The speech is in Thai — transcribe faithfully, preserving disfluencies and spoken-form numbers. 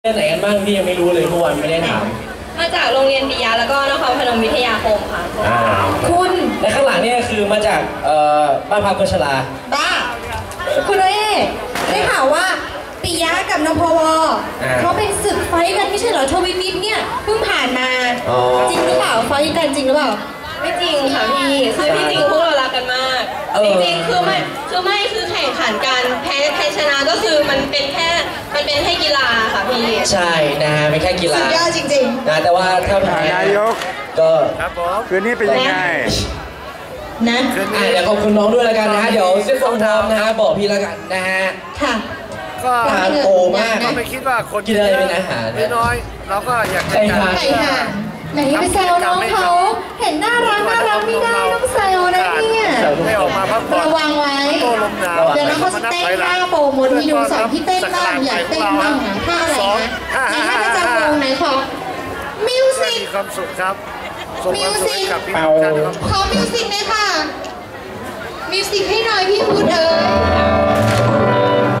เรียนไหนกันบ้างพี่ยังไม่รู้เลยเมื่อวานไม่ได้ถามมาจากโรงเรียนปิยะแล้วก็นครพนมวิทยาคมค่ะคุณและข้างหลังนี่คือมาจากบ้านพักคนชราบ้าคุณเอ๋ได้ข่าวว่าปิยะกับนพวเขาเป็นศึกไฟกันไม่ใช่เหรอทวิมิตเนี่ยเพิ่งผ่านมาจริงหรือเปล่าไฟกันจริงหรือเปล่าไม่จริงค่ะพี่คือที่จริงพวกเรารักกันมากจริงๆคือไม่คือไม่คือแข่งขันกันแพ้แพ้ชนะก็คือมันเป็นแค่มันเป็นแค่กีฬาค่ะพี่ใช่นะฮะเป็นแค่กีฬาสุดยอดจริงๆนะแต่ว่าถ้าแพ้นายกก็ครับผมคืนนี้เป็นยังไงนะเดี๋ยวขอบคุณน้องด้วยแล้วกันนะฮะเดี๋ยวเส้นฟองทำนะฮะบอกพี่แล้วกันนะฮะค่ะก็ทานโตมากก็ไม่คิดว่าคนกินอะไรเป็นอาหารน้อยเราก็อยากจะไก่ห่านไหนไปแซวน้องเขาเห็นน่ารักน่ารักไม่ได้ต้องแซวนะเนี่ยระวังไว้เดี๋ยวน้องเขาเต้นท่าโปรโมทวิดีโอสอนพี่เต้นบ้างอยากเต้นบ้างนะท่าอะไรนะไหนท่าประจำวงไหนขอมิวสิกมีความสุขครับมิวสิกขอมิวสิกเลยค่ะมิวสิกให้หน่อยพี่พูดเออ